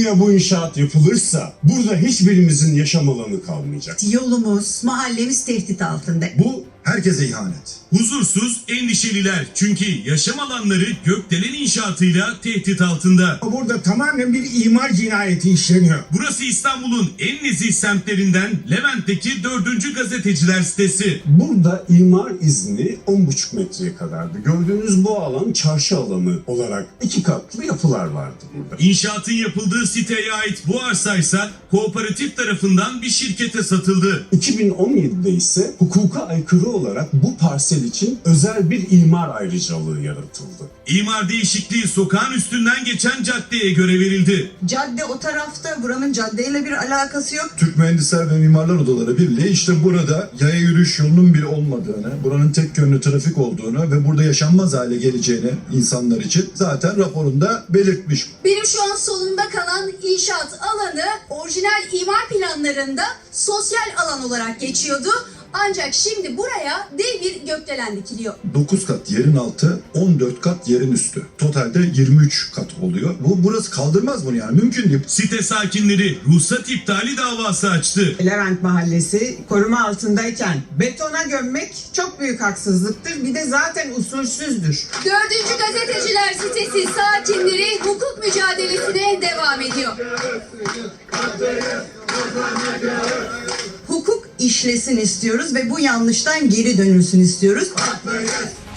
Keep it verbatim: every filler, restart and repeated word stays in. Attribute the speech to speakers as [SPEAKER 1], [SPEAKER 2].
[SPEAKER 1] Buraya bu inşaat yapılırsa burada hiçbirimizin yaşam alanı kalmayacak.
[SPEAKER 2] Yolumuz, mahallemiz tehdit altında.
[SPEAKER 3] Bu herkese ihanet.
[SPEAKER 4] Huzursuz, endişeliler çünkü yaşam alanları gökdelen inşaatıyla tehdit altında.
[SPEAKER 5] Burada tamamen bir imar cinayeti işleniyor.
[SPEAKER 4] Burası İstanbul'un en nezih semtlerinden Levent'teki dördüncü gazeteciler sitesi.
[SPEAKER 1] Burada imar izni on buçuk metreye kadardı. Gördüğünüz bu alan çarşı alanı olarak iki katlı yapılar vardı burada.
[SPEAKER 4] İnşaatın yapıldığı siteye ait bu arsaysa kooperatif tarafından bir şirkete satıldı.
[SPEAKER 1] iki bin on yedide ise hukuka aykırı olarak bu parsel için özel bir imar ayrıcalığı yaratıldı.
[SPEAKER 4] İmar değişikliği sokağın üstünden geçen caddeye göre verildi.
[SPEAKER 2] Cadde o tarafta, buranın caddeyle bir alakası yok.
[SPEAKER 3] Türk Mühendisler ve Mimarlar Odaları Birliği işte burada yaya yürüyüş yolunun bir olmadığını, buranın tek yönlü trafik olduğunu ve burada yaşanmaz hale geleceğini insanlar için zaten raporunda belirtmiş.
[SPEAKER 6] Benim şu an solumda kalan inşaat alanı orijinal imar planlarında sosyal alan olarak geçiyordu. Ancak şimdi buraya dev bir gökdelen dikiliyor.
[SPEAKER 3] dokuz kat yerin altı, on dört kat yerin üstü. Totalde yirmi üç kat oluyor. Bu burası kaldırmaz bunu yani, mümkün değil.
[SPEAKER 4] Site sakinleri ruhsat iptali davası açtı.
[SPEAKER 7] Levent Mahallesi koruma altındayken betona gömmek çok büyük haksızlıktır. Bir de zaten usulsüzdür.
[SPEAKER 6] Dördüncü Gazeteciler sitesi sakinleri hukuk mücadelesine devam ediyor.
[SPEAKER 2] Hukuk işlesin istiyoruz ve bu yanlıştan geri dönülsün istiyoruz.